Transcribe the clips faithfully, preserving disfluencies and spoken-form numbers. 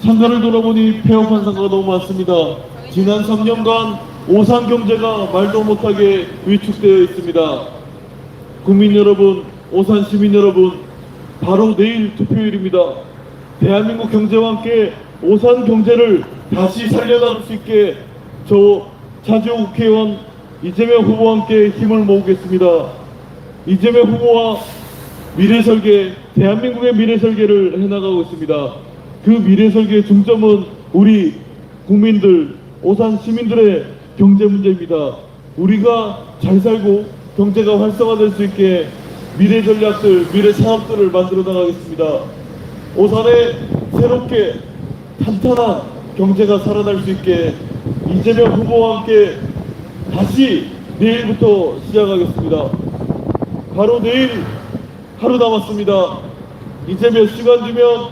상가를 돌아보니 폐업한 상가가 너무 많습니다. 지난 삼 년간 오산 경제가 말도 못하게 위축되어 있습니다. 국민 여러분, 오산 시민 여러분, 바로 내일 투표일입니다. 대한민국 경제와 함께 오산 경제를 다시 살려나갈 수 있게 저 차지호 국회의원 이재명 후보와 함께 힘을 모으겠습니다. 이재명 후보와 미래 설계, 대한민국의 미래 설계를 해나가고 있습니다. 그 미래 설계의 중점은 우리 국민들, 오산 시민들의 경제 문제입니다. 우리가 잘 살고 경제가 활성화될 수 있게 미래 전략들, 미래 사업들을 만들어 나가겠습니다. 오산에 새롭게 탄탄한 경제가 살아날 수 있게 이재명 후보와 함께 다시 내일부터 시작하겠습니다. 바로 내일 하루 남았습니다. 이제 몇 시간 뒤면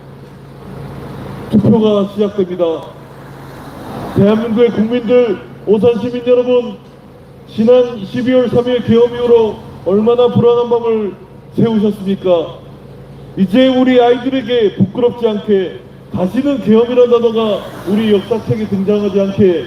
투표가 시작됩니다. 대한민국의 국민들, 오산 시민 여러분, 지난 십이월 삼일 계엄 이후로 얼마나 불안한 밤을 새우셨습니까? 이제 우리 아이들에게 부끄럽지 않게 다시는 계엄이라는 단어가 우리 역사책에 등장하지 않게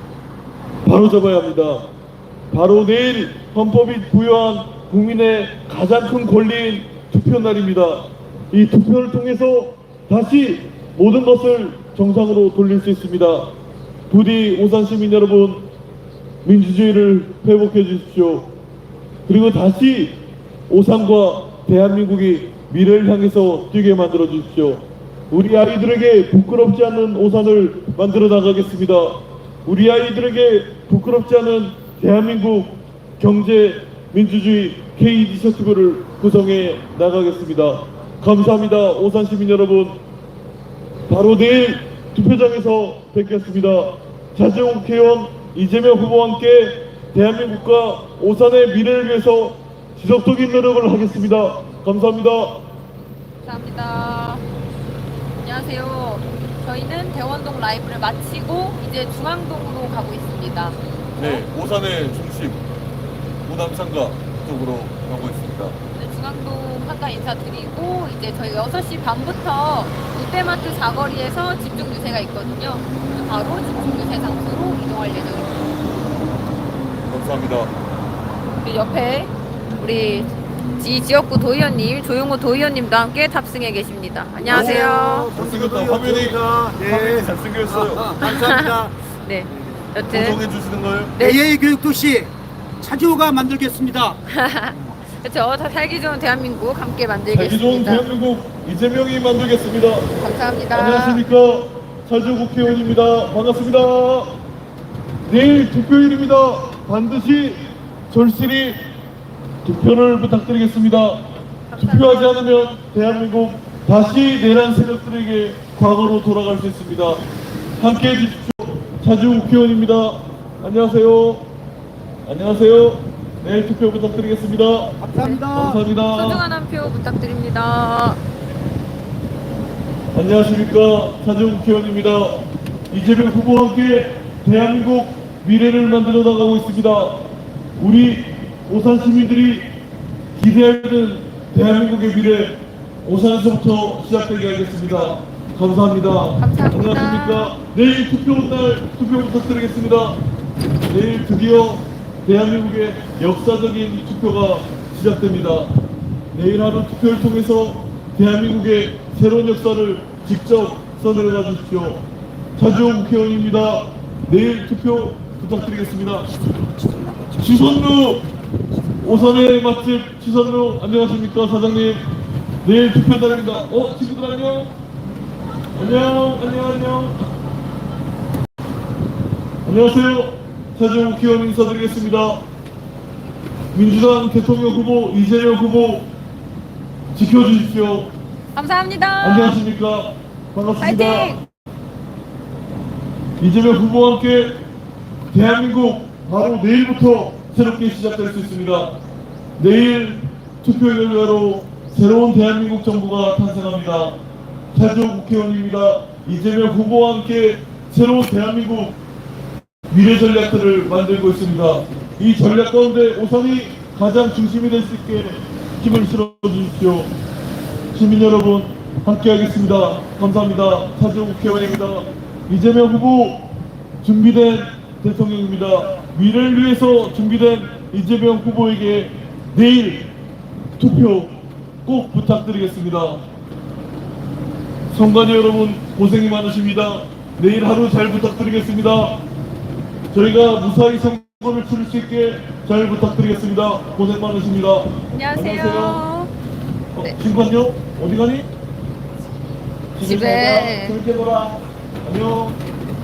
바로잡아야 합니다. 바로 내일 헌법이 부여한 국민의 가장 큰 권리인 투표날입니다. 이 투표를 통해서 다시 모든 것을 정상으로 돌릴 수 있습니다. 부디 오산 시민 여러분, 민주주의를 회복해 주십시오. 그리고 다시 오산과 대한민국이 미래를 향해서 뛰게 만들어 주십시오. 우리 아이들에게 부끄럽지 않은 오산을 만들어 나가겠습니다. 우리 아이들에게 부끄럽지 않은 대한민국 경제 민주주의 K 이니셔티브를 구성해 나가겠습니다. 감사합니다. 오산 시민 여러분, 바로 내일 투표장에서 뵙겠습니다. 차지호 국회의원 이재명 후보와 함께 대한민국과 오산의 미래를 위해서 지속적인 노력을 하겠습니다. 감사합니다. 감사합니다. 안녕하세요. 저희는 대원동 라이브를 마치고 이제 중앙동으로 가고 있습니다. 네, 오산의 중심 오남상가 쪽으로 가고 있습니다. 네, 중앙동 상가 인사드리고 이제 저희 여섯 시 반부터 롯데마트 사거리에서 집중 유세가 있거든요. 바로 집중 유세 장소로 이동할 예정입니다. 감사합니다. 우리 옆에 우리 지 지역구 도의원님, 조용호 도의원님도 함께 탑승해 계십니다. 안녕하세요. 잘생겼다. 화면이, 네. 화면이 잘생겼어요. 감사합니다. 네, 여튼 구성해 주시는 거예요? 네. 에이에이 교육도시 차지호가 만들겠습니다. 그렇죠. 다 살기 좋은 대한민국 함께 살기 좋은 만들겠습니다. 대한민국 이재명이 만들겠습니다. 감사합니다. 안녕하십니까, 차지호 국회의원입니다. 반갑습니다. 내일 투표일입니다. 반드시 절실히 투표를 부탁드리겠습니다. 투표하지 않으면 대한민국 다시 내란 세력들에게 과거로 돌아갈 수 있습니다. 함께 해주십시오. 차지호 국회의원입니다. 안녕하세요. 안녕하세요. 내일 투표 부탁드리겠습니다. 감사합니다. 감사합니다. 소중한 한 표 부탁드립니다. 안녕하십니까, 차지호 국회의원입니다. 이재명 후보와 함께 대한민국 미래를 만들어 나가고 있습니다. 우리 오산 시민들이 기대하는 대한민국의 미래, 오산에서부터 시작되게 하겠습니다. 감사합니다. 감사합니다. 안녕하십니까. 내일 투표날 투표 부탁드리겠습니다. 내일 드디어 대한민국의 역사적인 투표가 시작됩니다. 내일 하루 투표를 통해서 대한민국의 새로운 역사를 직접 써내려가 주십시오. 차지호 국회의원입니다. 내일 투표 부탁드리겠습니다. 지선루, 오산의 맛집 지선루, 안녕하십니까 사장님. 내일 투표 날입니다. 어, 친구들 안녕. 안녕, 안녕, 안녕. 안녕하세요. 차지호 국회의원 인사드리겠습니다. 민주당 대통령 후보 이재명 후보 지켜주십시오. 감사합니다. 안녕하십니까. 반갑습니다. 파이팅! 이재명 후보와 함께 대한민국 바로 내일부터 새롭게 시작될 수 있습니다. 내일 투표 결과로 새로운 대한민국 정부가 탄생합니다. 차지호 국회의원입니다. 이재명 후보와 함께 새로운 대한민국 미래 전략들을 만들고 있습니다. 이 전략 가운데 오산이 가장 중심이 될 수 있게 힘을 실어 주십시오. 시민 여러분, 함께하겠습니다. 감사합니다. 차지호 국회의원입니다. 이재명 후보 준비된 대통령입니다. 미래를 위해서 준비된 이재명 후보에게 내일 투표 꼭 부탁드리겠습니다. 선관위 여러분 고생이 많으십니다. 내일 하루 잘 부탁드리겠습니다. 저희가 무사히 선거를 치를 수 있게 잘 부탁드리겠습니다. 고생 많으십니다. 안녕하세요. 어, 네. 신관요? 어디 가니? 집에. 재밌게 놀아. 안녕.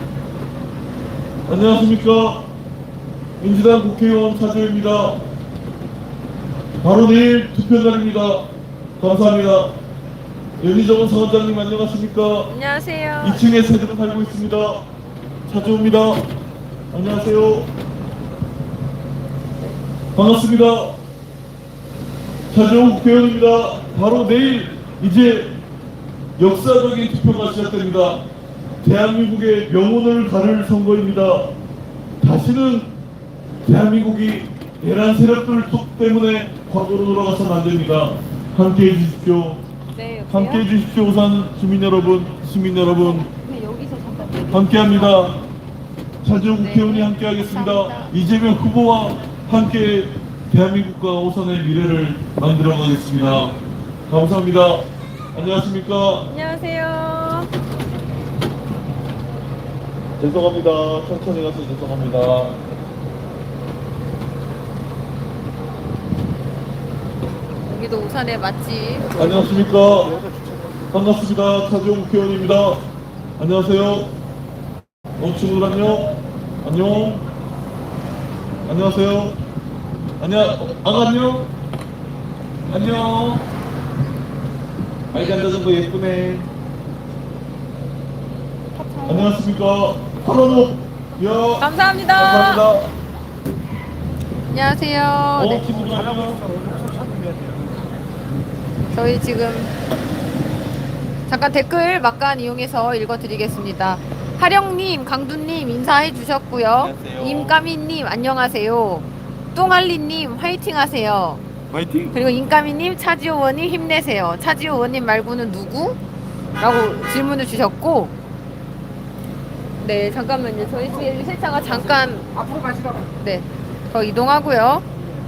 안녕하십니까. 민주당 국회의원 차주입니다. 바로 내일 투표날입니다. 감사합니다. 연희정원 사원장님 안녕하십니까. 안녕하세요. 이 층에 새들은 살고 있습니다. 차주입니다. 안녕하세요. 반갑습니다. 차주호 국회의원입니다. 바로 내일 이제 역사적인 투표가 시작됩니다. 대한민국의 명운을 가를 선거입니다. 다시는 대한민국이 내란 세력들 때문에 과거로 돌아가서는 안 됩니다. 함께해 주십시오. 네, 여보세요? 함께해 주십시오. 우선 주민 여러분, 시민 여러분, 네, 여기서 잠깐. 함께합니다. 차지호 네, 국회의원이 함께하겠습니다. 감사합니다. 이재명 후보와 함께 대한민국과 오선의 미래를 만들어가겠습니다. 감사합니다. 안녕하십니까. 안녕하세요. 죄송합니다. 천천히 가서 죄송합니다. 여기도 우산의 맛집. 안녕하십니까. 반갑습니다. 차지호 국회의원입니다. 안녕하세요. 어, 친구들 안녕. 안녕. 안녕하세요. 안녕. 아, 안녕. 안녕. 아이가 앉아서 예쁘네. 안녕하십니까. 하로노. 야. 감사합니다. 감사합니다. 안녕하세요. 어, 네, 친구들 안녕. 저희 지금 잠깐 댓글 막간 이용해서 읽어드리겠습니다. 하령님, 강두님 인사해 주셨고요. 안녕하세요. 임까미님 안녕하세요. 똥알리님 화이팅 하세요. 화이팅. 그리고 임까미님 차지호 의원님 힘내세요. 차지호 의원님 말고는 누구? 라고 질문을 주셨고, 네 잠깐만요. 저희 뒤에 세차가 잠깐 앞으로 가시라고. 네, 더 이동하고요.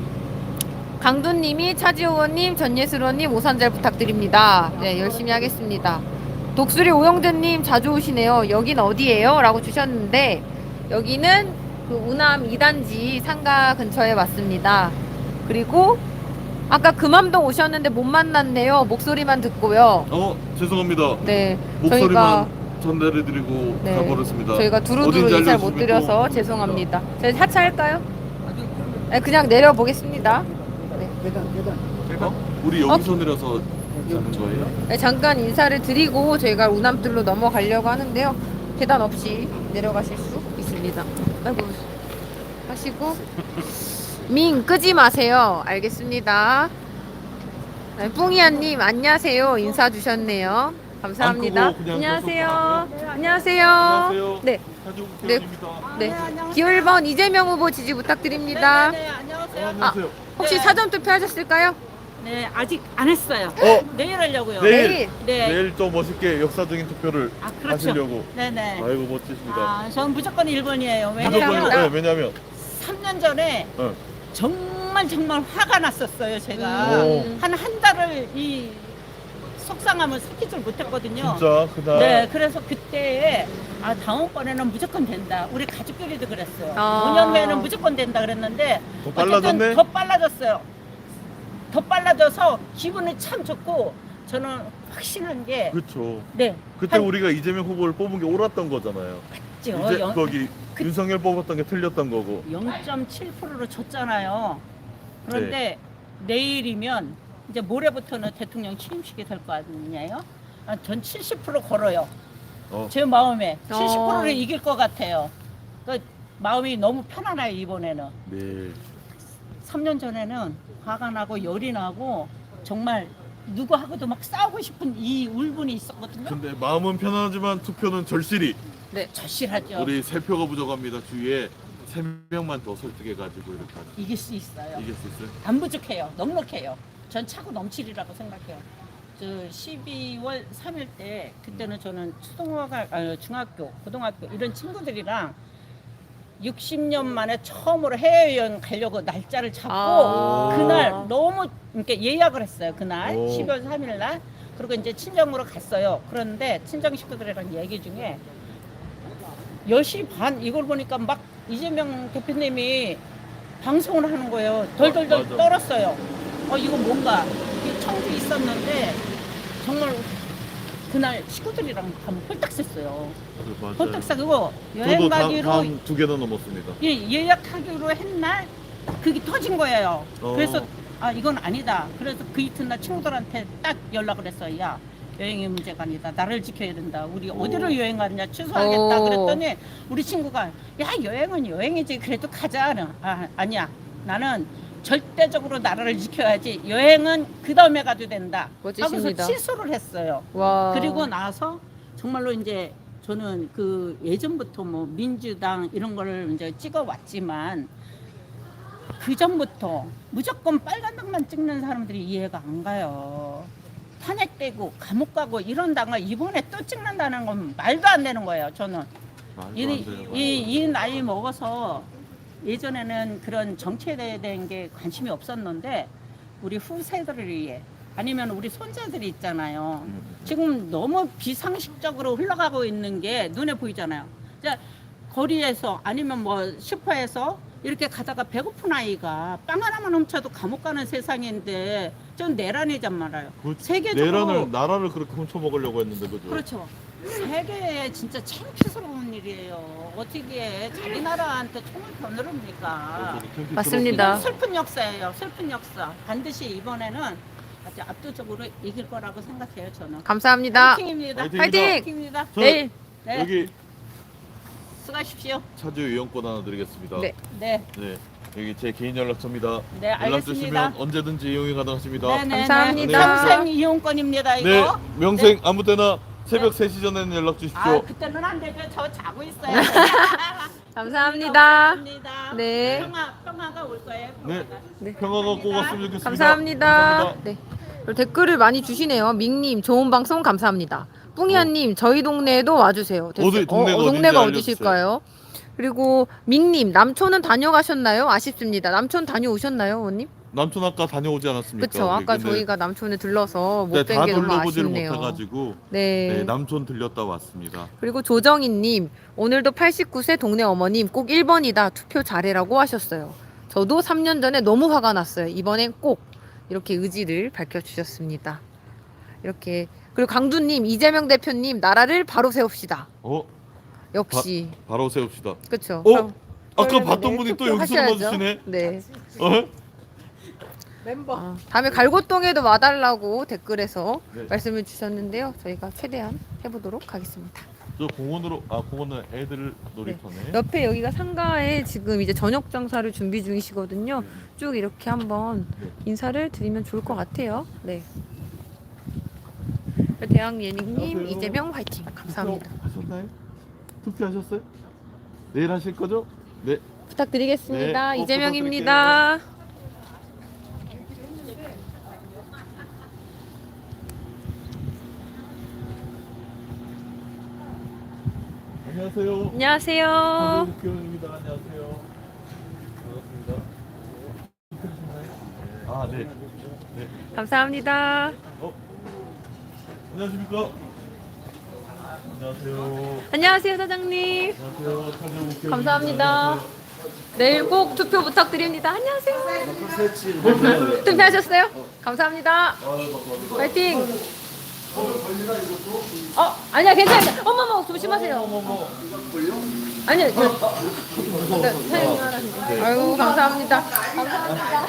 강두님이 차지호 의원님, 전예슬 의원님 오산 잘 부탁드립니다. 네, 열심히 하겠습니다. 독수리 오영재님 자주 오시네요. 여긴 어디예요? 라고 주셨는데, 여기는 그 우남 이 단지 상가 근처에 왔습니다. 그리고 아까 금암동 오셨는데 못 만났네요. 목소리만 듣고요. 어, 죄송합니다. 네, 목소리만 저희가 전달해드리고 네, 가버렸습니다. 저희가 두루두루 어딘지 인사를 못 알려주시면 드려서 또- 죄송합니다. 저희 하차할까요? 네, 그냥 내려보겠습니다. 네. 계단, 계단. 어? 우리 여기서 내려서 가는 거예요? 네, 잠깐 인사를 드리고 저희가 우남뜰로 넘어가려고 하는데요. 계단 없이 내려가실 수 있습니다. 아이고, 하시고 밍 끄지 마세요. 알겠습니다. 네, 뿡이야님 안녕하세요. 인사 주셨네요. 감사합니다. 안 끄고 그냥 안녕하세요. 계속 안녕하세요. 안녕하세요. 네, 차지호 국회의원입니다. 네. 기호 일 번 이재명 후보 지지 부탁드립니다. 네, 어, 안녕하세요. 안녕하세요. 혹시 네. 사전 투표하셨을까요? 네, 아직 안 했어요. 어, 내일 하려고요. 내일. 내일. 네. 내일 또 멋있게 역사적인 투표를 아, 그렇죠. 하시려고. 네네. 아이고 멋지십니다. 아, 전 무조건 일 번이에요. 무조건 감사합니다. 왜냐면 네, 왜냐면 삼 년 전에 어. 정말 정말 화가 났었어요. 제가 음. 한 한 달을 이 속상함을 삭히질 못했거든요. 진짜 그날 네, 그래서 그때 아 다음번에는 무조건 된다. 우리 가족끼리도 그랬어요. 아. 오 년 후에는 무조건 된다 그랬는데 더 어쨌든 빨라졌네? 더 빨라졌어요. 더 빨라져서 기분이 참 좋고 저는 확신한 게 그렇죠. 네. 그때 한- 우리가 이재명 후보를 뽑은 게 옳았던 거잖아요. 맞죠. 이제 영- 거기 그- 윤석열 뽑았던 게 틀렸던 거고. 영 점 칠 퍼센트로 졌잖아요. 그런데 내일이면 이제 모레부터는 대통령 취임식이 될 거 아니에요? 아, 전 칠십 퍼센트 걸어요. 어. 제 마음에 칠십 퍼센트를 어. 이길 것 같아요. 그러니까 마음이 너무 편안해요 이번에는. 네. 삼 년 전에는 화가 나고 열이 나고 정말 누구하고도 막 싸우고 싶은 이 울분이 있었거든요. 근데 마음은 편하지만 투표는 절실히 네. 절실하죠. 우리 세 표가 부족합니다. 주위에 세 명만 더 설득해가지고 이렇게 하죠. 이길 수 있어요. 이길 수 있어요? 안 부족해요. 넉넉해요. 전 차고 넘치리라고 생각해요. 저 십이월 삼일 때 그때는 저는 초등학교, 아니, 중학교, 고등학교 이런 친구들이랑 육십 년 만에 처음으로 해외여행 가려고 날짜를 잡고 아. 그날 너무 이렇게 예약을 했어요. 그날 오. 십이월 삼일 날. 그리고 이제 친정으로 갔어요. 그런데 친정 식구들이랑 얘기 중에 열 시 반 이걸 보니까 막 이재명 대표님이 방송을 하는 거예요. 덜덜덜 맞아. 떨었어요. 어 이거 뭔가 이 청주 있었는데 정말 그날 식구들이랑 가면 홀딱 샜어요. 맞아요. 홀딱 싸고 여행 저도 다, 가기로 다음 두 개나 넘었습니다. 예, 예약하기로 했날 그게 터진 거예요. 어. 그래서 아 이건 아니다. 그래서 그 이튿날 친구들한테 딱 연락을 했어요. 야 여행의 문제가 아니다. 나를 지켜야 된다. 우리 오. 어디로 여행 가느냐 취소하겠다. 오. 그랬더니 우리 친구가 야 여행은 여행이지. 그래도 가자. 아 아니야. 나는 절대적으로 나라를 지켜야지. 여행은 그 다음에 가도 된다. 멋지십니다. 하고서 취소를 했어요. 와. 그리고 나서 정말로 이제 저는 그 예전부터 뭐 민주당 이런 거를 이제 찍어 왔지만 그 전부터 무조건 빨간당만 찍는 사람들이 이해가 안 가요. 탄핵되고 감옥 가고 이런 당을 이번에 또 찍는다는 건 말도 안 되는 거예요. 저는 말도 이, 안 돼요. 이, 이 나이 먹어서 예전에는 그런 정치에 대한 게 관심이 없었는데 우리 후세들을 위해 아니면 우리 손자들이 있잖아요. 음. 지금 너무 비상식적으로 흘러가고 있는 게 눈에 보이잖아요. 자, 거리에서 아니면 뭐 슈퍼에서 이렇게 가다가 배고픈 아이가 빵 하나만 훔쳐도 감옥 가는 세상인데 전 내란이란 말이에요. 그 세계적으로 내란을 나라를 그렇게 훔쳐 먹으려고 했는데 그죠? 그렇죠. 세계에 진짜 창피스러운 일이에요. 어떻게 자기 나라한테 총을 겨누릅니까? 맞습니다. 이건 슬픈 역사예요. 슬픈 역사. 반드시 이번에는 아주 압도적으로 이길 거라고 생각해요. 저는. 감사합니다. 파이팅입니다. 파이팅! 파이팅입니다. 저 내일. 네. 여기 수고하십시오. 차주 이용권 하나 드리겠습니다. 네. 네. 네. 여기 제 개인 연락처입니다. 네, 연락 알겠습니다. 주시면 언제든지 이용이 가능하십니다. 네네. 감사합니다. 평생 이용권입니다. 이거. 네, 명생 아무 때나 새벽 세 시 전에는 연락 아, 주십시오. 그때는 안 되죠. 저 자고 있어요. 감사합니다. 감사합니다. 네. 평화, 평화가 올 거예요. 네. 평화가. 네. 평화가 꼭 왔으면 좋겠습니다. 감사합니다. 감사합니다. 네. 그리고 댓글을 많이 주시네요. 밍님 좋은 방송 감사합니다. 뿡이야님 저희 동네에도 와주세요. 됐어요. 어디, 동네가 어, 어딘지 동네가 알려주세요. 어디실까요? 그리고 밍님 남촌은 다녀가셨나요? 아쉽습니다. 남촌 다녀오셨나요, 원님? 남촌 아까 다녀오지 않았습니까? 그렇죠. 우리? 아까 근데 저희가 남촌에 들러서 못 네, 뵌 다 게 너무 둘러보지를 아쉽네요. 못해가지고 네. 네, 남촌 들렸다 왔습니다. 그리고 조정희님 오늘도 팔십구 세 동네 어머님 꼭 일 번이다 투표 잘해라고 하셨어요. 저도 삼 년 전에 너무 화가 났어요. 이번엔 꼭 이렇게 의지를 밝혀주셨습니다. 이렇게 그리고 강두님 이재명 대표님 나라를 바로 세웁시다. 어? 역시 바로 세웁시다. 그렇죠. 어? 아까 봤던 분이 또 여기서 하셔야죠. 넣어주시네. 네. 어? 멤버. 아, 다음에 갈고동에도 와달라고 댓글에서 네. 말씀을 주셨는데요. 저희가 최대한 해보도록 하겠습니다. 저 공원으로 아 공원은 애들 놀이터네. 옆에 여기가 상가에 지금 이제 저녁 장사를 준비 중이시거든요. 네. 쭉 이렇게 한번 네. 인사를 드리면 좋을 것 같아요. 네. 대학예능님 안녕하세요. 이재명 화이팅 감사합니다. 하셨나요? 투표하셨어요? 내일 하실 거죠? 네. 부탁드리겠습니다. 네, 꼭 이재명입니다. 안녕하세요. 안녕하세요. 국회의원입니다. 안녕하세요. 반갑습니다. 아 네. 네. 감사합니다. 어? 안녕하십니까? 안녕하세요. 안녕하세요 사장님. 안녕하세요. 차주 국회의원입니다. 감사합니다. 안녕하세요. 내일 꼭 투표 부탁드립니다. 안녕하세요. 투표하셨어요? 감사합니다. 파이팅. 어 아니야 괜찮아요. 어머머 조심하세요. 아니요. 저, 네, 사용하라는데. 아유 감사합니다. 감사합니다.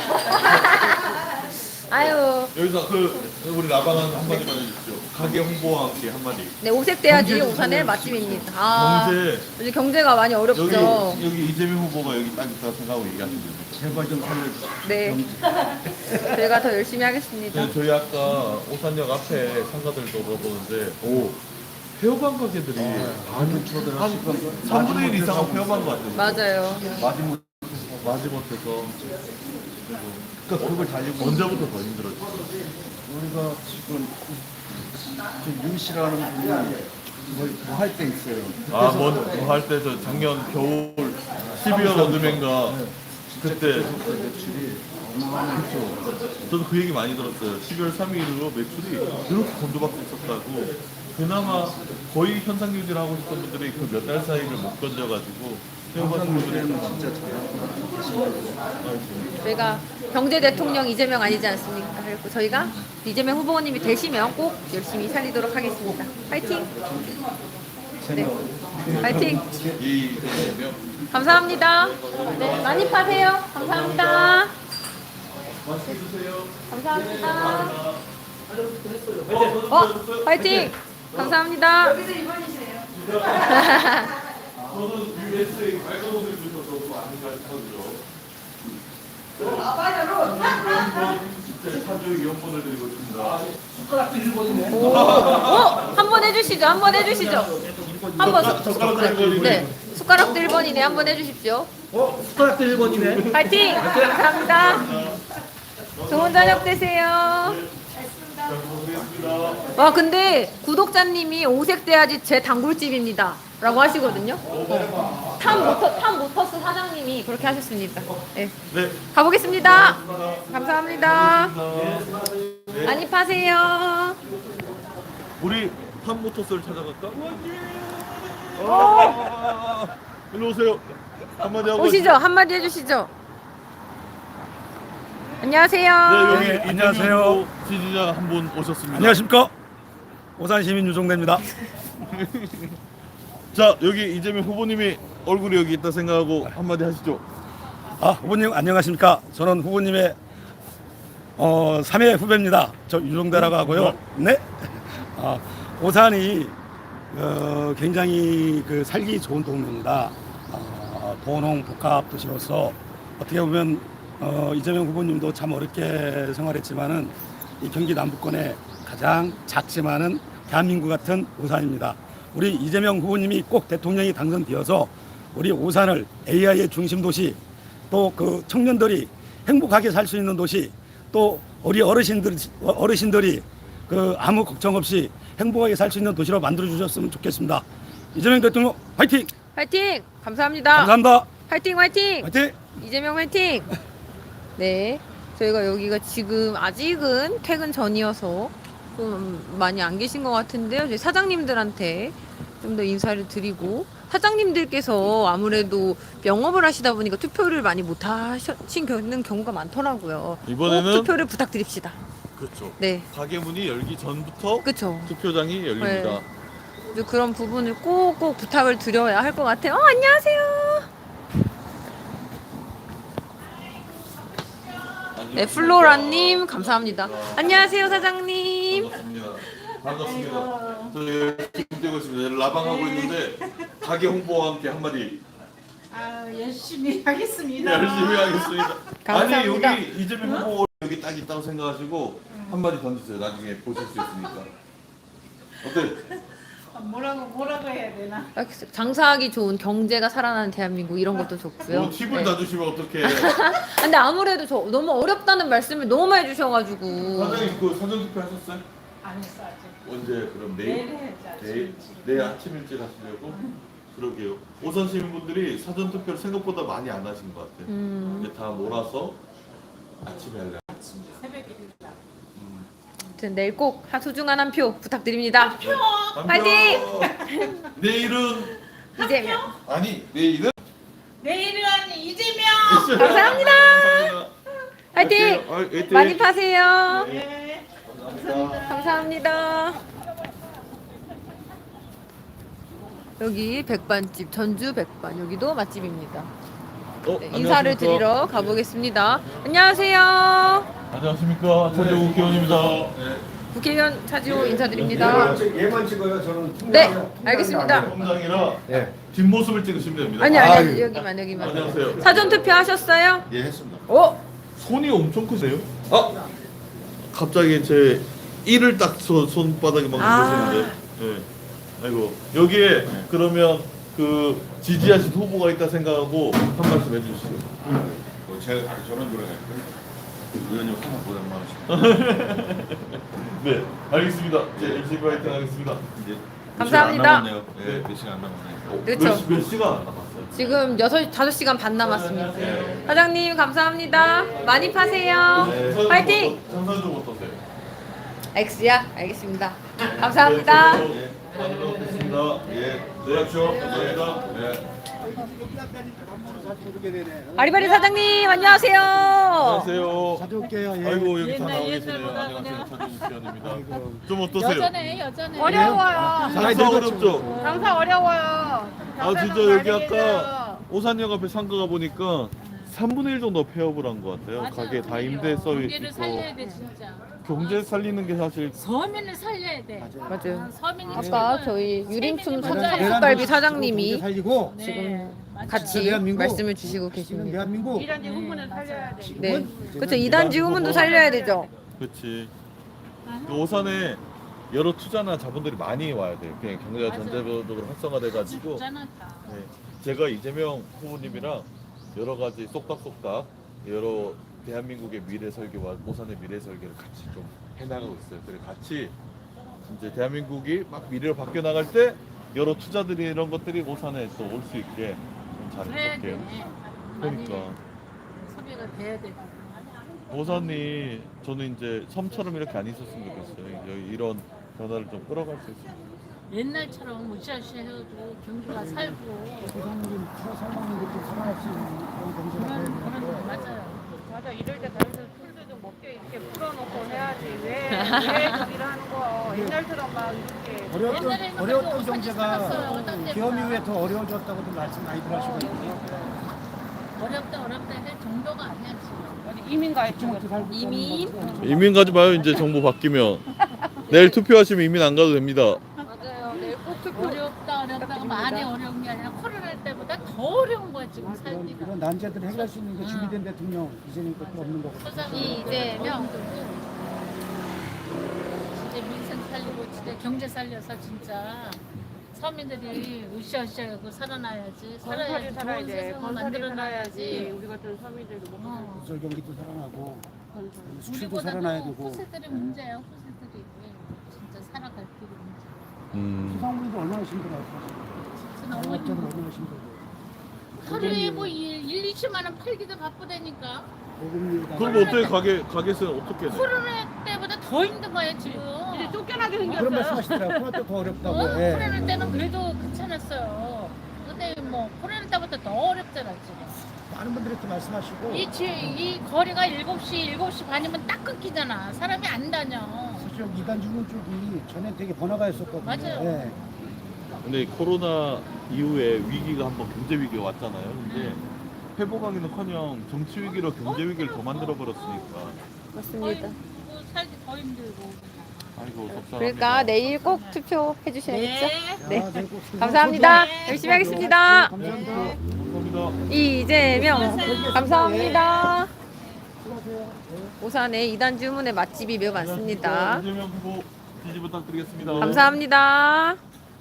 아유 여기서 그 우리 라방한 한마디만 해주십시오. 가게 홍보와 함께 한마디. 네 오색대야지 오산의 맛집입니다. 아 경제 요즘 경제가 많이 어렵죠. 여기 여기 이재명 후보가 여기 딱 있다고 생각하고 얘기하시면 됩니다. 제발 좀 살려주세요. 네 저희가 더 열심히 하겠습니다. 네, 저희 아까 오산역 앞에 상가들도 물어보는데 오 폐업한 가게들이 많이 줄어들어. 한 삼분의 일 이상은 폐업한 것 같아요. 맞아요. 마지막 마지못해서 그러니까 그걸 달리고 언제부터 더 힘들었죠? 우리가 지금 지금 윤 씨라는 분이 뭐할 때 있어요. 아, 뭐할 때 저 작년 겨울 십이월 어둠인가 그때 매출이 어마어마했죠. 저도 그 얘기 많이 들었어요. 십이월 삼일로 매출이 그렇게 곤두박질 있었다고. 그나마 거의 현상 유지를 하고 있었던 분들이 그 몇 달 사이를 못 건져가지고 항상 요즘에는 진짜 잘하고 저희가 경제 대통령 이재명 아니지 않습니까? 그리고 저희가 이재명 후보님이 되시면 꼭 열심히 살리도록 하겠습니다. 파이팅! 네, 파이팅! 이 감사합니다. 네, 많이 파세요. 감사합니다. 맛있게 드세요. 감사합니다. 어, 파이팅! 감사합니다. 저는 유에스에이 빨간 옷을 주셔서 많이 가르쳐주죠. 진짜 차주 이용권을 드리고 있습니다. 오, 어, 한번 해주시죠. 한번 해주시죠. 한번 수- 젓가락도 일 번이네. 네, 숟가락도 일 번이네. 한번 해주십시오. 어? 숟가락도 일 번이네. 파이팅! 감사합니다. 좋은 저녁 되세요. 와, 근데 구독자님이 오색 돼야지 제 단골집입니다. 라고 하시거든요. 어. 탐 모터, 탐 모터스 사장님이 그렇게 하셨습니다. 네. 네. 가보겠습니다. 감사합니다. 많이 파세요. 우리 팜모터스를 찾아갈까? 아, 일로 오세요. 한마디 하고. 오시죠. 한마디 해주시죠. 안녕하세요. 네, 여기 네, 이재명 안녕하세요. 후보 지지자 한 분 오셨습니다. 안녕하십니까? 오산시민 유종대입니다. 자, 여기 이재명 후보님이 얼굴이 여기 있다 생각하고 한마디 하시죠. 아, 후보님 안녕하십니까? 저는 후보님의 어, 삼 회 후배입니다. 저 유종대라고 하고요. 네. 아, 오산이 어, 굉장히 그 살기 좋은 동네입니다. 어, 도농 복합 도시로서 어떻게 보면 어, 이재명 후보님도 참 어렵게 생활했지만은 이 경기 남부권의 가장 작지만은 대한민국 같은 오산입니다. 우리 이재명 후보님이 꼭 대통령이 당선되어서 우리 오산을 에이아이의 중심 도시, 또 그 청년들이 행복하게 살 수 있는 도시, 또 우리 어르신들 어르신들이 그 아무 걱정 없이 행복하게 살 수 있는 도시로 만들어 주셨으면 좋겠습니다. 이재명 대통령 화이팅! 화이팅! 감사합니다. 감사합니다. 화이팅, 화이팅! 화이팅! 이재명 화이팅! 네, 저희가 여기가 지금 아직은 퇴근 전이어서 좀 많이 안 계신 것 같은데요. 저희 사장님들한테 좀 더 인사를 드리고, 사장님들께서 아무래도 영업을 하시다 보니까 투표를 많이 못 하시는 경우가 많더라고요. 이번에는- 꼭 투표를 부탁드립시다. 그렇죠. 네, 가게 문이 열기 전부터 그쵸. 투표장이 열립니다. 네. 그래서 그런 부분을 꼭꼭 부탁을 드려야 할 것 같아요. 어, 안녕하세요. 네, 플로라님 감사합니다. 안녕하세요, 사장님. 반갑습니다. 반갑습니다. 저희 열심히 뛰고 있습니다. 라방하고 있는데 가게 홍보와 함께 한마디 아, 열심히 하겠습니다. 열심히 하겠습니다. 감사합니다. 아니 여기 이재명 후보 여기 딱 있다고 생각하시고 한마디 던지세요. 나중에 보실 수 있으니까. 어때? 아, 뭐라고 뭐라고 해야 되나? 장사하기 좋은 경제가 살아나는 대한민국 이런 것도 좋고요. 뭐 팁을 네. 놔주시면 어떡해. 근데 아무래도 저 너무 어렵다는 말씀을 너무 많이 해주셔가지고 사장님 그 사전투표 하셨어요? 안 했어 아직. 언제 그럼 내일 내일? 해야지 아침 내일? 일찍. 내일 아침 일찍 하시려고? 그러게요. 오산 시민분들이 사전투표를 생각보다 많이 안 하신 것 같아요. 음, 이제 다 몰아서 아침에 할래. 새벽에 일다. 아무튼 내일 꼭 소중한 한 표 부탁드립니다. 한 파이팅! 표! 내일은 이재명 아니 내일은 내일은 이재명. 감사합니다. 화이팅! 아, 화이팅! 많이 파세요. 네. 감사합니다. 감사합니다. 여기 백반집 전주 백반 여기도 맛집입니다. 어, 네, 인사를 안녕하십니까? 드리러 가보겠습니다. 안녕하세요. 안녕하십니까 차재우 국회의원입니다. 네. 국회의원 차지호 인사드립니다. 얘만 찍어요. 저는 네, 알겠습니다. 통장이라 예. 뒷모습을 찍으시면 됩니다. 아니 아유. 아니 여기만 여기만. 안녕하세요. 사전 투표 하셨어요? 예 했습니다. 오, 손이 엄청 크세요? 아 갑자기 제 이를 딱 손, 손바닥에 막 아. 누르시는데. 예. 아이고 여기에 그러면 그 지지하신 후보가 있다 생각하고 한 말씀 해주시죠. 제가 저는 그러네. 의원님 하나 보낸 만 네, 알겠습니다. 네, 열심히 화이팅 하겠습니다. 이제 감사합니다. 네, 몇 시간 안 남았네요. 그렇죠. 몇, 시- 몇 시간 안 남았어요? 지금 여섯 다섯 시간 반 남았습니다. 사장님 감사합니다. 많이 파세요. 네, 화이팅! 장사 좀 어떠세요? X야? 알겠습니다. 감사합니다. 네, 많이 먹겠습니다. 예, 네, 그렇죠. 감사합니다. 네. 아리바리 사장님 안녕하세요. 안녕하세요. 가져올게요. 예. 아이고 여기 다 옛날, 나와 계시네요. 옛날보다 안녕하세요. 그냥. 차준수연입니다. 좀 어떠세요? 여전해 여전해. 어려워요. 장사 어렵죠? 장사 어려워요. 아 진짜 여기 아까 오산역 앞에 상가가 보니까 삼분의 일 정도 폐업을 한 것 같아요. 맞아요. 가게 다 임대 서비스 경제를 있고 살려야 돼 진짜. 경제 살리는 게 사실 서민을 살려야 돼. 맞아요. 서민이 아까 최고야. 저희 유림춘 세민이 먼저야. 닭갈비 사장님이 살리고 네, 지금 맞아요. 같이 대한민국. 말씀을 주시고 지금 계십니다. 대한민국 이란지 후문을 살려야 돼. 네, 그렇죠. 이단지 후문도 살려야 되죠. 그렇지. 그 오산에 여러 투자나 자본들이 많이 와야 돼요. 그냥 경제가 맞아요. 전체적으로 활성화돼가지고 있잖아 다. 네. 제가 이재명 후보님이랑 여러 가지 쏙닥쏙닥 여러 대한민국의 미래 설계와 오산의 미래 설계를 같이 좀 해나가고 있어요. 그래 같이 이제 대한민국이 막 미래로 바뀌어 나갈 때 여러 투자들이 이런 것들이 오산에 또 올 수 있게 좀 그래야 돼. 잘해볼게요. 많이 그러니까 소비가 돼야 돼. 오산이 저는 이제 섬처럼 이렇게 안 있었으면 좋겠어요. 여기 이런 변화를 좀 끌어갈 수 있어요. 옛날처럼 무시하시 해도 경기가 살고 대한민국 살아남는 것도 살아날 수 있는 그런 경제가 그런 돼야 그런 되는데 맞아요. 맞아, 이럴 때 다른 데서 풀도 좀 먹게 이렇게 풀어놓고 해야지. 왜, 왜 저기를 하는 거? 옛날처럼 막 이렇게. 어려웠던 옛날에는 어려웠던 그래도 경제가 살았어요. 어떤 데보다. 기업 이후에 더 어려워졌다고도 말씀 많이 들으시고 있고요. 어렵다 어렵다 할 정도가 아니야 지금. 이민 가입 주먹도 살고 이민? 이민 가지 마요. 이제 정부 바뀌면 내일 투표하시면 이민 안 가도 됩니다. 맞아요. 내일 꼭 투표. 어렵다 어렵다가 많이 어려운 게 아니라 코로나 때보다 더 어려운 거야 지금 살기가. 이런 난제들을 해결할 수 있는 게 준비된 대통령 이제는 것도 없는 거고. 이재명 진짜 민생 살리고 진짜 경제 살려서 진짜 서민들이 으쌰으쌰하고 살아나야지. 살아야지. 좋은 세상을 만들어놔야지. 우리 같은 서민들도 못 어. 기술 경기도 살아나고 수출도 우리보다도 살아나야 되고. 후세들이 문제야. 후세들이 진짜 살아갈 길이 문제. 음. 소상공인도 얼마나 힘들어요. 진짜 너무 자영업자도 힘들어. 얼마나 힘들고. 하루에 뭐 일, 이십만 원 팔기도 바쁘다니까. 고금리에다가 그럼 어떻게 가게 가게세는 어떻게 내? 코로나 때보다 더 힘든 거야 지금. 이제 쫓겨나게 그런 말씀하시더라고요. 코로나 때 더 어렵다고. 어, 예. 코로나 때는 그래도 괜찮았어요. 근데 뭐 코로나 때부터 더 어렵잖아 지금. 많은 분들이 또 말씀하시고 이, 지, 이 거리가 일곱 시, 일곱 시 반이면 딱 끊기잖아. 사람이 안 다녀. 사실 이단 주문 쪽이 전에 되게 번화가 있었거든요. 맞아요. 예. 근데 코로나 이후에 위기가 한번 경제 위기가 왔잖아요. 근데 회복하기는커녕 정치 위기로 경제 위기를 더 만들어 버렸으니까. 더 맞습니다. 힘들고 살기 더 힘들고. 아이고 속상합니다. 그러니까 내일 꼭 투표해 주셔야겠죠? 네. 아, 네, 꼭 수고- 감사합니다. 네. 열심히 하겠습니다. 감사합니다. 네, 감사합니다. 이재명 감사합니다. 오산에 이단 주문의 맛집이 매우 많습니다. 이재명 후보 지지 부탁드리겠습니다. 감사합니다.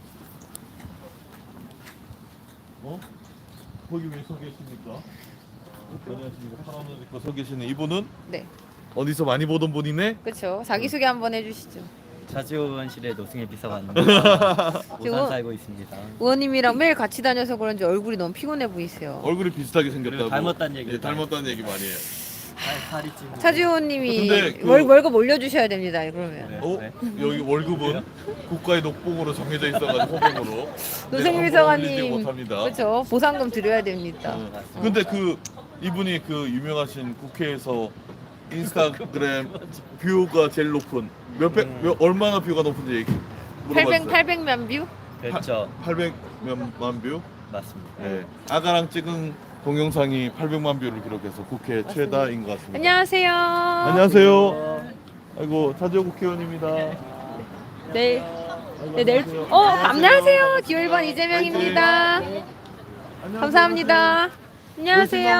어? 거기 왜 서 계십니까? 안녕하십니까. 파란 옷 입고 서 계시는 이분은 네, 어디서 많이 보던 분이네? 그렇죠. 자기 소개 한번 해주시죠. 자주원실의 노승일 비서관입니다. 지금 오산 살고 있습니다. 의원님이랑 매일 같이 다녀서 그런지 얼굴이 너무 피곤해 보이세요. 얼굴이 비슷하게 생겼다고. 그리고 닮았다는 얘기도 예, 닮았다는 얘기 많이 해요. 살, 살이 찌고. 차주 의원님이 근데 그- 월, 월급 올려주셔야 됩니다. 그러면 네, 어? 네. 여기 월급은 국가의 녹봉으로 정해져 있어가지고 호봉으로. 노승일 네, 비서관님, 올리지 못합니다. 그렇죠. 보상금 드려야 됩니다. 어. 근데 그 이분이 그 유명하신 국회에서 인스타그램 뷰가 제일 높은 몇백 음. 몇 얼마나 뷰가 높은지 얘기 팔백, 물어봤어요. 팔백만 뷰? 그렇죠. 팔백만 뷰. 맞습니다. 네. 아가랑 찍은 동영상이 팔백만 뷰를 기록해서 국회 최다인 것 같습니다. 안녕하세요. 안녕하세요. 아이고 차지호 국회의원입니다. 네. 네, 내일. 어, 안녕하세요. 기호 일 번 이재명입니다. 감사합니다. 안녕하세요.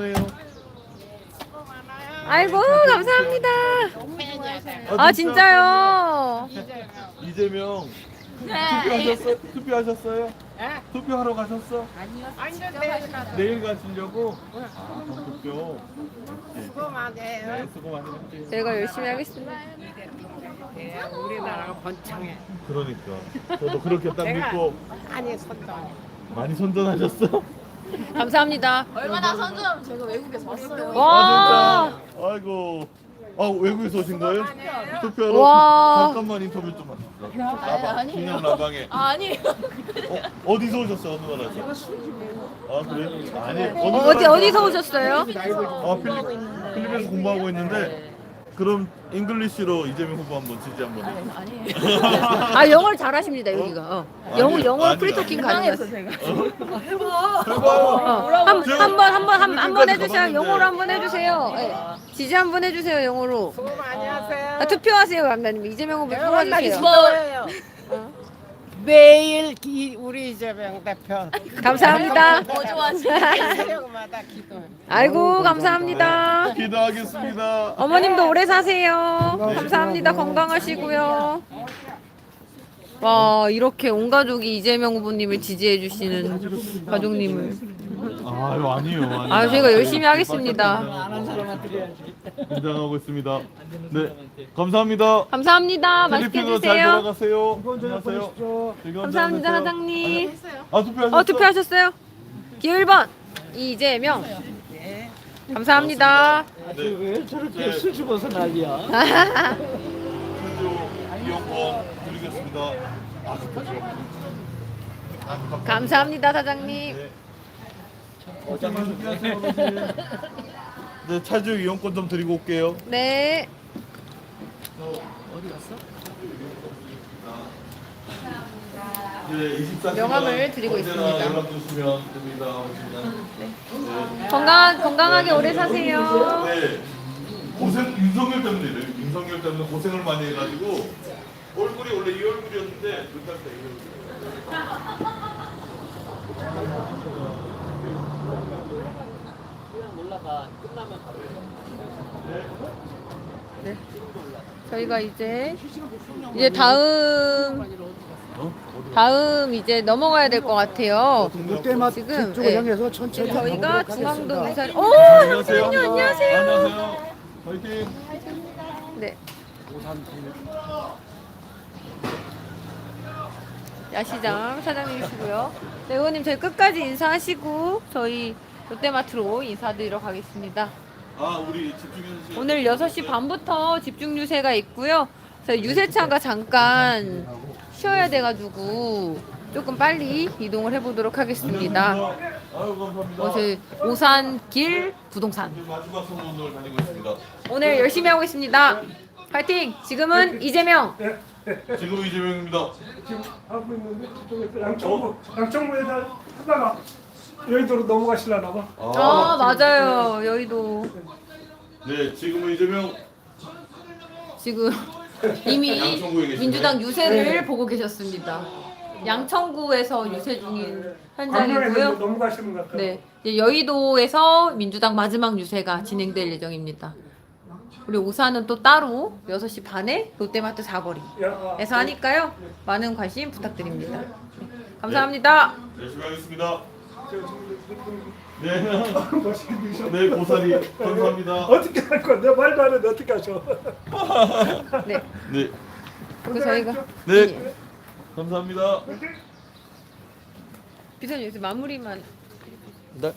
아이고, 감사합니다. 아, 진짜요? 이재명 투표하셨어요? 투표하셨어요? 투표하러 가셨어? 아니요. 내일 가시려고? 아, 투표. 수고 많이 해요. 네, 수고 많이 했지. 저희가 열심히 하겠습니다. 우리나라가 번창해. 그러니까. 저도 그렇게 딱 믿고 아니 선동. 많이 선전하셨어? 감사합니다. 얼마나 선전하면 제가 외국에서 왔어요. 와. 아, 진짜. 아이고. 아, 외국에서 오신 거예요? 투표하러? 와. 잠깐만 인터뷰 좀 하시죠. 라방, 아니에요. 중량 라방에. 아, 아니에요. 어, 어디서 오셨어요? 어느 나라에서? 아, 그래? 아니, 어, 어느 어디 나라에서 어디서 오셨어요? 아, 필리, 필리핀에서 공부하고 있는데 그럼 잉글리시로 이재명 후보 한번 지지 한번 해. 아니에요. 아 영어를 잘하십니다 여기가. 어. 영어 아니요, 영어 아니요. 프리토킹 가능해요. 해봐요. 한번 한 번 한 번 해주세요. 가봤는데. 영어로 한번 해주세요. 예. 지지 한번 해주세요 영어로. 안녕하세요. 아, 투표하세요 강단님. 이재명 후보 뽑아주세요. 뭐 매일 기, 우리 이재명 대표 감사합니다. 뭐 좋아하지? 새벽마다 기도해. 아이고 감사합니다. 기도하겠습니다. 어머님도 오래 사세요. 감사합니다. 건강하시고요. 와 이렇게 온 가족이 이재명 후보님을 지지해 주시는 가족님을. 아유, 아니요. 아니요. 아 저희가 열심히 하겠습니다. 긴장하고 있습니다. 네, 감사합니다. 감사합니다. 맛있게 필리핀으로 잘 드세요. 돌아가세요. 안녕하세요. 즐거운 감사합니다 시간 되세요. 사장님. 아, 투표하셨어? 어 투표하셨어요? 기호 일 번 이재명. 감사합니다. 네. 왜 저렇게 수줍어서 난리야? 현주 이용권 드리겠습니다. 아, 투표 좀. 아, 감사합니다. 감사합니다 사장님. 네. 어떤 준비하세요, 어르신? 네, 차주 이용권 좀 드리고 올게요. 네. 네, 이십사 시간 명함을 드리고 언제나 있습니다. 연락 주시면 됩니다. 오시면. 건강 건강하게 오래 사세요. 네. 고생 윤석열 때문에 이래요. 윤석열 때문에 고생을 많이 해가지고 얼굴이 원래 이 얼굴이었는데 몇달 때 이 얼굴. 저희가 이제 이제 다음 다음 이제 넘어가야 될 것 같아요. 롯데마트 지금, 쪽을 예. 향해서 천천히 저희가 가보도록 중앙동 하겠습니다. 유산. 오 안녕하세요. 잠시만요. 안녕하세요. 안녕하세요. 화이팅. 네. 야시장 사장님이시고요. 네, 의원님 저희 끝까지 인사하시고 저희 롯데마트로 인사드리러 가겠습니다. 아, 우리 집중해주세요. 오늘 여섯 시 반부터 집중 유세가 있고요. 저희 유세차가 잠깐 쉬어야 돼가지고 조금 빨리 이동을 해보도록 하겠습니다. 아유, 감사합니다. 어, 저희 오산길 부동산. 마지막 선거운동을 다니고 있습니다. 오늘 열심히 하고 있습니다. 파이팅! 지금은 이재명. 지금 이재명입니다. 하고 있는데 저쪽에서 양천구 양천구에다 하다가 여의도로 넘어가시려나 봐. 아 맞아요. 여의도 네, 지금은 이재명. 지금 이미 양천구에 계시네. 민주당 유세를 보고 계셨습니다. 양천구에서 유세 중인 광명에서 현장이고요. 넘어가시는 것 같아요. 네, 이제 여의도에서 민주당 마지막 유세가 진행될 예정입니다. 우리 오산은 또 따로 여섯 시 반에 롯데마트 사거리에서 야, 아, 하니까요. 많은 관심 부탁드립니다. 네, 감사합니다. 열심히 하겠습니다. 저, 저, 네. 멋있게 드셔. 네, 고사리 감사합니다. 어떻게 할 거야? 내 말도 안 했는데 어떻게 하셔? 네, 네. 그 저희가 네. 감사합니다. 비서님 여기서 마무리만. 네.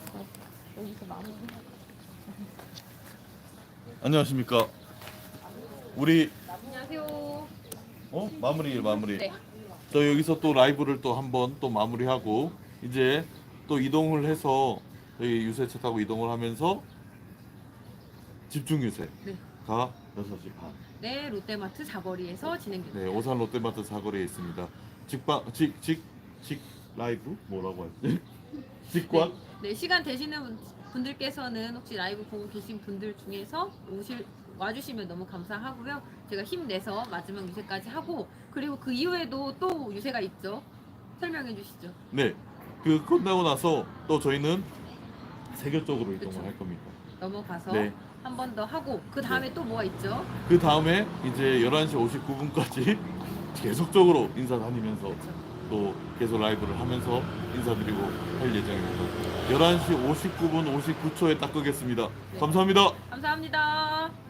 안녕하십니까. 우리 안녕하세요. 어 마무리 마무리. 네. 저 여기서 또 라이브를 또 한번 또 마무리하고 이제 또 이동을 해서 저희 유세차 타고 이동을 하면서 집중 유세가 네. 여섯 시 반. 네, 롯데마트 사거리에서 진행됩니다. 네, 오산 롯데마트 사거리에 있습니다. 직방 직직 직 라이브 뭐라고 하지? 직관? 네, 시간 되시는 분- 분들께서는 혹시 라이브 보고 계신 분들 중에서 오실 와주시면 너무 감사하고요. 제가 힘내서 마지막 유세까지 하고 그리고 그 이후에도 또 유세가 있죠. 설명해 주시죠. 네. 그 끝나고 나서 또 저희는 세계 쪽으로 이동을 그쵸. 할 겁니다. 넘어가서 네. 한 번 더 하고 그 다음에 또 뭐가 있죠? 그 다음에 이제 열한 시 오십구 분까지 계속적으로 인사 다니면서 또 계속 라이브를 하면서 인사드리고 할 예정입니다. 열한 시 오십구 분 오십구 초에 딱 끄겠습니다. 감사합니다. 감사합니다.